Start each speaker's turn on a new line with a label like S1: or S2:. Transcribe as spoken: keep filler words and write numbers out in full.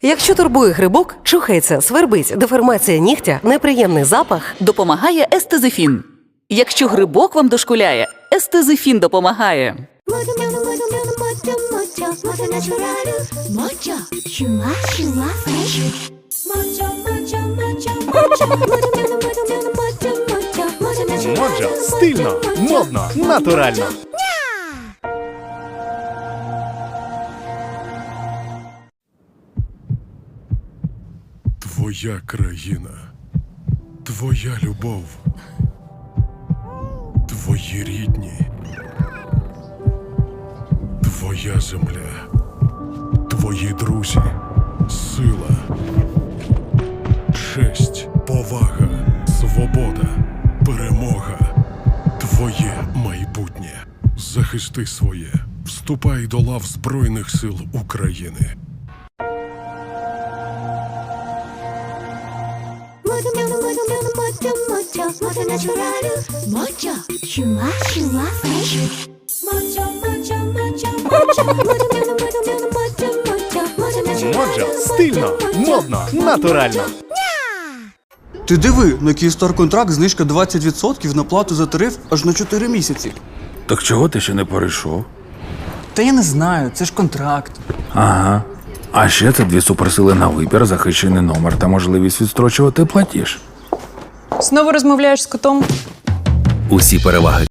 S1: Якщо турбує грибок, чухається, свербить, деформація нігтя, неприємний запах,
S2: Допомагає естезифін. Якщо грибок вам дошкуляє, естезифін допомагає.
S3: Моджо стильно, модно, натурально.
S4: Твоя країна, твоя любов, твої рідні, твоя земля, твої друзі, сила, честь, повага, свобода, перемога, твоє майбутнє. Захисти своє, вступай до лав Збройних сил України.
S3: Моджо стильно, модно, натурально.
S5: Ти диви, на Київстар контракт знижка двадцять відсотків на плату за тариф аж на чотири місяці.
S6: Так чого ти ще не перейшов?
S5: Та я не знаю, це ж контракт.
S6: Ага. А ще це дві суперсили на вибір, захищений номер та можливість відстрочувати платіж.
S7: Знову розмовляєш з котом?
S8: Усі переваги